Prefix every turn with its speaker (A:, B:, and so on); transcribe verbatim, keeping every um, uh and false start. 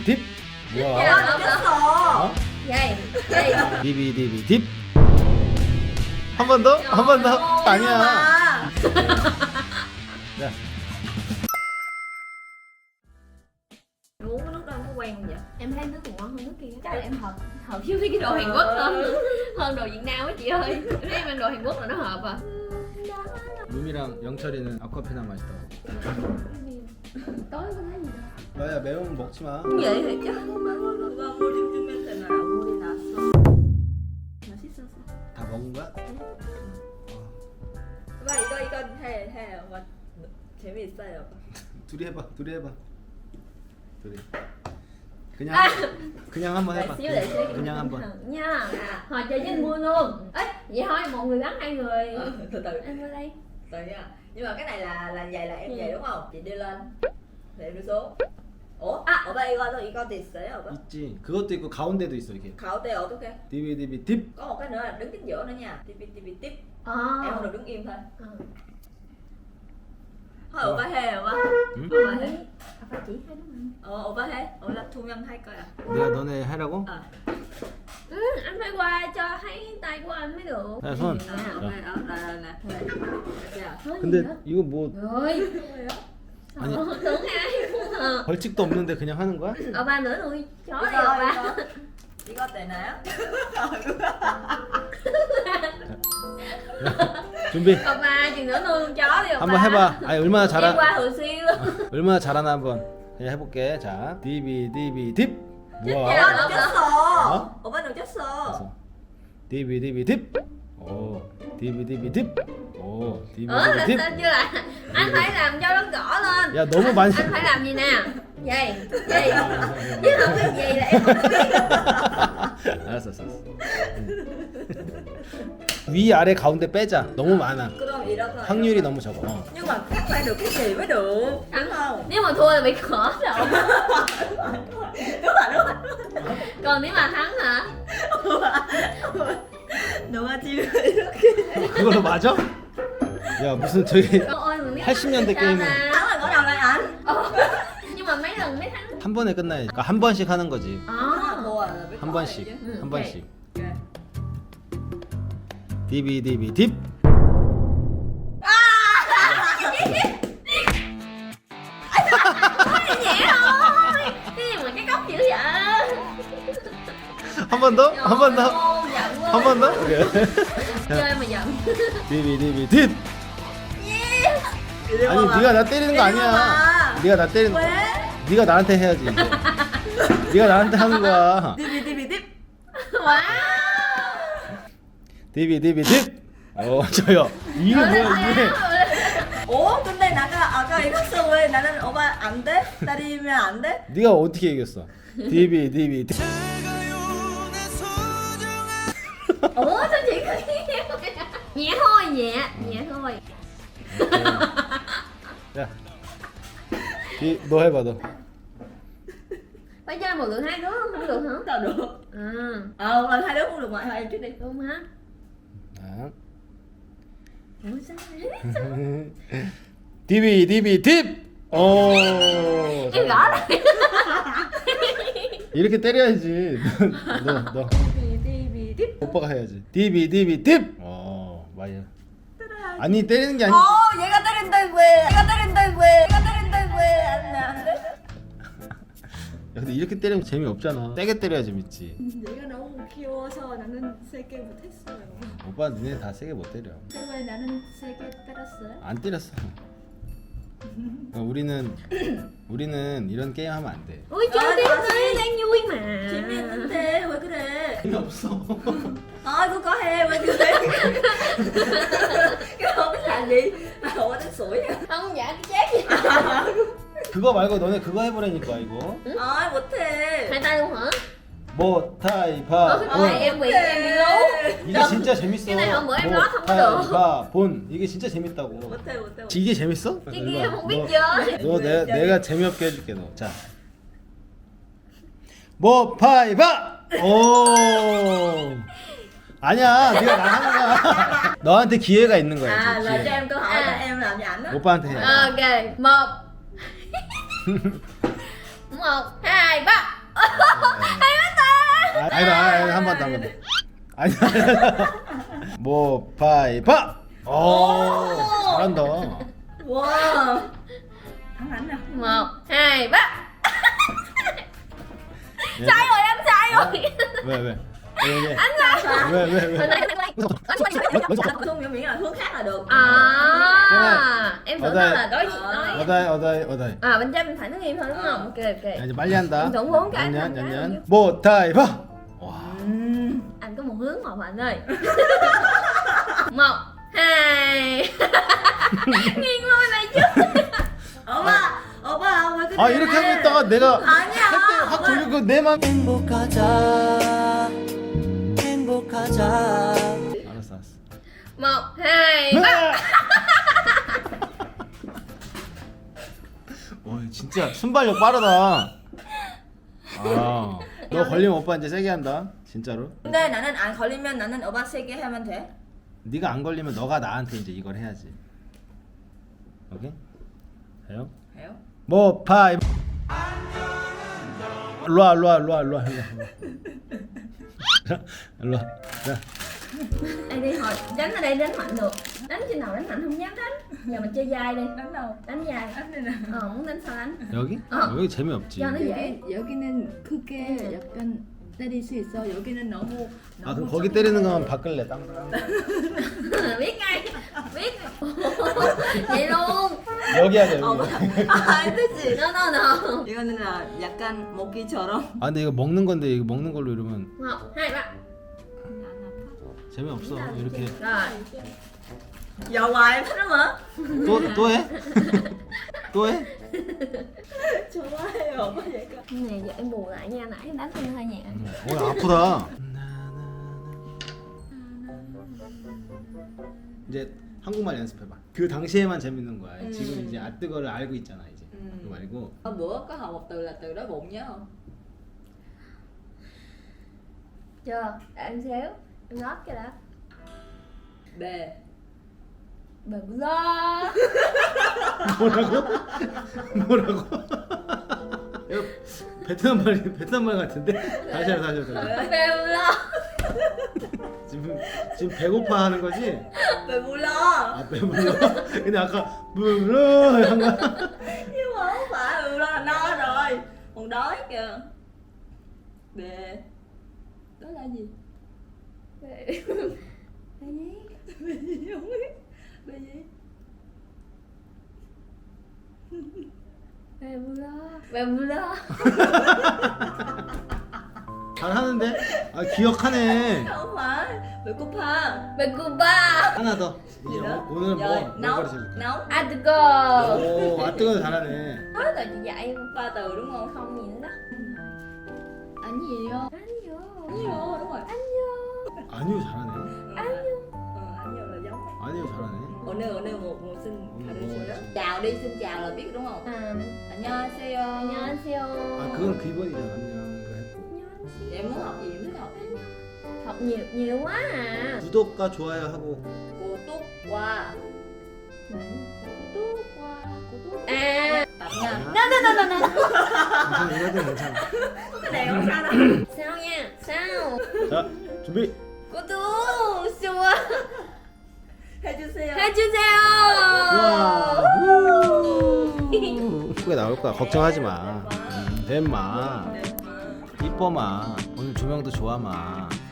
A: 딥. 뭐야?
B: 야, 늦었어.
A: 어?
B: Vậy, vậy.
A: 디비디비 딥. 한 번 더? 한 번 더? 아니야. 자,
B: Uống cái nước đó không có quen không vậy?
C: Em thấy nước này ngon hơn nước kia. Chắc là em hợp hợp với mấy cái đồ Hàn Quốc hơn hơn đồ Việt Nam á chị ơi. Nếu em ăn đồ Hàn Quốc là nó hợp à.
A: 루미랑 영철이는 아쿠아페나 맛있다고.
C: Tối có thấy gì đâu.
A: 너야 매운 거 먹지 마.
B: Vậy thì chắc 누가 물 좀 했잖아. 물이 났어. 맛있었어.
A: 다 먹은 거야?
B: 오빠 이거 이거 해 해. 오빠 재미있어요. 오빠.
A: 둘이 해봐. 둘이 해봐. 둘이. 그냥 그냥 한번
C: Để
A: 해봐.
C: xíu để xíu
A: 그냥 한번.
C: nha. Hồi chơi với anh vui luôn. Ấy, vậy thôi một người gắn hai người.
B: Ờ, từ từ.
C: Em vô đây.
B: Từ nha. Nhưng mà cái này là là vậy là em
C: Ừ.
B: vậy đúng không? Chị đưa lên. Thì em đưa xuống. 어? 아, 오빠 이거 이것도 있어요, 오빠?
A: 있지. 그것도 있고 가운데도 있어 이렇게.
B: 가운데 어떻게?
A: 디비디비 딥.
B: Có một cái nữa là đứng chính giữa nữa nha. Tiếp tiếp tiếp tiếp.
C: Ờ.
B: Em không được đứng im thôi.
C: Ờ.
B: Thôi 오빠 해, 오빠.
A: 응?
B: 오빠 해.
C: Phải chỉ hai đứa mình.
B: 어, 오빠 해. 오빠 두 명 할 거야.
A: 내가 너네 하라고?
B: 어.
C: Ừ, anh phải qua cho thấy tay của anh mới được.
A: 야 손.
B: 아, 오빠, 어, 나, 나, 나. 자.
C: Nói gì
A: 근데
C: nữa?
A: 이거 뭐
C: Rồi.
B: 뭐예요?
A: 아니.
C: Ờ, tưởng ai cũng ờ.
A: 벌칙도 없는데 그냥 하는 거야?
C: Ờ ba nữa nuôi chó đi
B: 이거,
C: ờ ba.
B: 이거. 이거 되나요?
A: 준비.
C: Ờ ba chừng nữa nuôi con chó đi ờ
A: 한번 해봐. 아니 얼마나
C: Em
A: 잘하
C: qua thường xuyên luôn.
A: 얼마나 잘하나 한번 그냥 해볼게. 자, 디비디비 딥.
B: 오빠
A: 뭐야?
B: 늦었어.
A: 어?
B: 오빠 늦었어.
A: 디비디비 딥. 오, 디비디비 딥. 오,
C: Ờ
A: 디비디비
C: là
A: 딥.
C: sao chưa lại? Anh phải làm cho nó rõ lên.
A: 야 너무 많이.
C: Anh phải làm gì nè? Vậy, vậy. Chứ không biết gì là em không biết.
A: 알았어, 알았어. 응. 위 아래 가운데 빼자. 너무 많아.
B: 그럼 이렇게.
A: 확률이 너무 적어. 어.
B: Nhưng mà thắng phải được cái gì mới được. Đúng không?
C: Nếu mà thua là bị khỏ rồi.
B: Đúng rồi, đúng rồi.
C: Còn nếu mà thắng hả?
B: 누가 지금 이렇게
A: 그걸로 맞아? 야 무슨 저기
C: Trời ơi, mình biết
A: 팔십 년대
C: thắng
A: 게임은
C: thì sao ta?
B: thắng là ngõ đầu lại ảnh.
C: Ờ. Nhưng mà mấy lần mới thắng.
A: 한 번에 끝나야지. 그러니까 한 번씩 하는 거지.
B: Thắng là
C: Ờ.
B: thua là biết
A: 한
B: có
A: 번씩,
B: chứ.
C: Ừ,
A: 한
C: ok.
A: 번씩.
B: Ok.
A: 디비디비 딥.
C: Nhẹ thôi. Cái gì mà cái cốc dữ vậy?
A: 한 번 더? 한 번 더?
C: Ô, giận quá.
A: 한 번 더? 오케이.
C: Chơi mà giận.
A: 디비디비 딥.
B: 이리
A: 아니
B: 와봐.
A: 네가 나 때리는 거
B: 이리
A: 아니야.
B: 와봐.
A: 네가 나 때리는.
B: 왜?
A: 네가 나한테 해야지. 이제. 네가 나한테 하는 거야.
B: 디비 디비 딥.
C: Wow.
A: 디비디비 딥. 어 저요. 이게 뭐야 이게?
B: 어? 근데 나가 아까 이겼어. 왜 나는 오빠 안 돼? 때리면 안 돼?
A: 네가 어떻게 이겼어? 디비디비 딥.
C: Ủa sao chị cứ nhẹ thôi, nhẹ, nhẹ thôi.
A: 야. 디, 너 해봐 너.
C: Phải chơi một lượt hai đứa không được hả?
B: Sao được?
C: À,
B: Ờ, một lần hai đứa không được ngoại hai em trước đi.
C: đúng hả?
A: 자.
C: Ủa sao vậy?
A: 디비디비 딥. 오.
C: Em gõ lại.
A: 이렇게 때려야지. 너 너.
B: 디비 딥.
A: 오빠가 해야지. 디비디비 딥. 어 맞아. 아니 때리는 게 아니.
B: 어, 얘가 때린다 왜? 얘가 때린다 왜? 얘가 때린다 왜? 안 돼, 안 돼.
A: 야, 근데 이렇게 때리면 재미 없잖아. 세게 때려야 재밌지.
B: 얘가 너무 귀여워서 나는 세게 못했어요.
A: 오빠 니네 다 세게 못 때려.
B: 왜 나는 세게 때렸어요?
A: 안 때렸어. 그러니까 우리는 우리는 이런 게임 하면 안 돼.
C: Ui chơi
B: Ờ,
C: tiếp
B: tao
C: đi,
B: xin.
C: đang vui mà.
B: 재미있는데 왜 그래?
A: 재미 없어.
B: Thôi cô có he 왜 그래? Cái không biết làm gì? Mà ủa đánh sủi à?
C: Không dạ cái chết gì.
A: 그거 말고 너네 그거 해보라니까 이거.
B: Thôi 못해.
C: Hai tay luôn hả?
A: 뭐 타이파.
C: Ờ, cái
A: 본.
C: này em bị em bị lú.
A: 이게 진짜 재밌어.
C: cái này hôm bữa em
A: 뭐
C: nói không có được.
A: 타이파 본 이게 진짜 재밌다고.
B: 못해 못해.
A: 이게 재밌어?
C: Cái kia em không biết
A: 너-
C: chơi.
A: 너 내가 내가 재미없게 해줄게 너. 자. 뭐 파이바. 오. 아니야, 네가 나하는 거야. 너한테 기회가 있는 거야.
B: À
A: 지금
B: là cho
A: 기회.
B: em câu hỏi là
C: À.
B: em làm cho ảnh á.
A: 오빠한테 해.
C: Ok, một, một, hai, ba.
A: 아니다, 아니다, 한 번 더, 한 번 더. 아니다, 아니다. 뭐, 파이파! 오, 잘한다.
B: Wow. Thắng hẳn nè.
C: Một, hai, ba. Sai rồi, em sai rồi.
A: 왜, 왜? 왜, 왜?
C: Anh sai.
A: 왜, 왜, 왜?
C: Hồi nãy anh quay.
B: Không hiểu miễn là hướng khác là được.
C: À, em tưởng
A: Ở
C: đâu
A: đây.
C: là đối nói.
A: 어다이, 어다이, 어다이.
C: À, bên trái bên phải nó im thôi đúng không? Ok ok.
A: 야, 이제 빨리 한다.
C: Tổng bốn cái,
A: 년,
C: năm
A: 년,
C: cái.
A: 년. 뭐, 타이파! 와.
B: Ừm.
C: Anh có một hướng mà anh ơi. Một, hai. Nghiêng lui này chứ.
B: 오빠, 오빠 왜 그래?
A: 아, 이렇게 하고 있다가 내가
B: 아니야.
A: 할때 확 돌리고 내 맘.
D: 행복하자 행복하자
A: 알았어, 알았어.
C: Một, hai, ba.
A: 와, 진짜 순발력 빠르다. 아, 너 걸리면 오빠 이제 세게 한다. 진짜로.
B: 근데 나는 안 걸리면 나는 오빠 세게 하면 돼.
A: 네가 안 걸리면 너가 나한테 이제 이걸 해야지. 오케이? 해요?
B: 해요?
A: 뭐 파이. 일로와, 일로와, 일로와, 일로와, 일로와. 일로와. 자,
C: Đây đi hồi đánh ở đây đánh mạnh được. Đánh trên nào đánh mạnh không dám đánh. Giờ mình chơi dai đi.
B: Đánh đâu?
C: Đánh dai.
B: đánh đây nè.
C: Ờ muốn đánh sao đánh.
A: 여기?
C: 어.
A: 여기 재미없지.
C: 야, 너-
B: 여기 여기는 크게 약간 때릴 수 있어. 여기는 너무
A: 아,
B: 너무
A: 그럼 거기
B: 조금
A: 때리는
B: 작아요.
A: 거면 바꿀래. 땅땅.
C: Biết ngay. Biết. Vậy luôn.
A: 여기 하자,
B: 어,
A: 여기.
B: 안 되지.
C: No no no.
B: 이거는 아, 약간 먹기처럼.
A: 아, 근데 이거 먹는 건데 이거 먹는 걸로 이러면
C: Một, hai, ba.
A: 재미없어. 이렇게
C: Rồi.
B: Giờ hoài em thích lắm hả?
A: 또 또 해? 또 해?
B: 좋아해요. 오빠 얘가.
C: Cái này giờ em bù lại nha, nãy em đánh em hơi nhẹ.
A: 오, 아프다. 이제 한국말 연습해봐. 그 당시에만 재밌는 거야.
B: 음.
A: 지금 이제 아뜨거를 알고 있잖아 이제.
B: 음.
A: 그거 말고.
B: Hôm bữa có học một từ là từ đói bụng nhớ không?
C: Chưa, để em xíu. Em nót cái đã.
B: Bề.
C: Bờ lo.
A: 뭐라고? 뭐라고? 이거 베트남 말 베트남 말 같은데? 다시 해, 다시 해, 다시 해.
C: Bờ lo.
A: 지금 지금 배고파 하는 거지?
B: Bề bù lo.
A: 아 배불러. 근데 아까 불러 한 거야.
B: Nhưng mà không phải bù lo là no rồi. Còn đói kìa. Bề. Đó là gì?
C: Bè gì?
B: Bề gì không biết. Bề gì?
C: Bè lo. Bè lo.
A: 잘하는데? 아 기억하네.
B: Không phải. Bề cúp ha.
C: Bè cuba.
A: 하나 더.
B: Gì
A: 이제
B: đó?
A: 오- 오늘 뭐,
B: Rồi,
A: 뭐
B: nấu.
A: 가르쳐줄까?
B: Nấu.
C: Atgo.
A: 오, 아뜨거 잘하네.
C: Nói rồi chị dạy em.
B: Ba từ đúng không?
C: Không gì nữa đó.
B: Anh gì vô?
C: Anh vô.
B: Anh vô đúng rồi.
C: Anh vô.
A: 아니요 잘하네.
B: Anh vô. Ờ, anh vô là giống.
A: 아니요 잘하네.
B: 오늘 오늘 뭐, 뭐 xin
A: 음,
B: 가르쳐요?
A: 뭐.
B: chào đi, xin chào là biết đúng không?
C: À,
B: 안녕하세요.
C: 안녕하세요.
A: 아 그건 기본이잖아. 안녕. 그래.
B: Vậy em muốn học gì em thích học?
C: Học nhiều nhiều quá à.
A: 구독과 좋아요 하고.
B: Cô Túc qua. Cô Túc qua. Cô Túc.
C: À.
B: Tập nha.
C: No no no no no.
A: 괜찮아 이거든 괜찮아.
B: Cái này không sao đâu.
C: Sao nha? Sao?
A: 자 준비.
C: Cô tú xua.
B: 해주세요.
C: 해주세요.
A: 와. 예쁘게 나올 거야. 걱정하지 마. 음, 됨마.
B: 네, 마.
A: 이뻐마. 오늘 조명도 좋아마.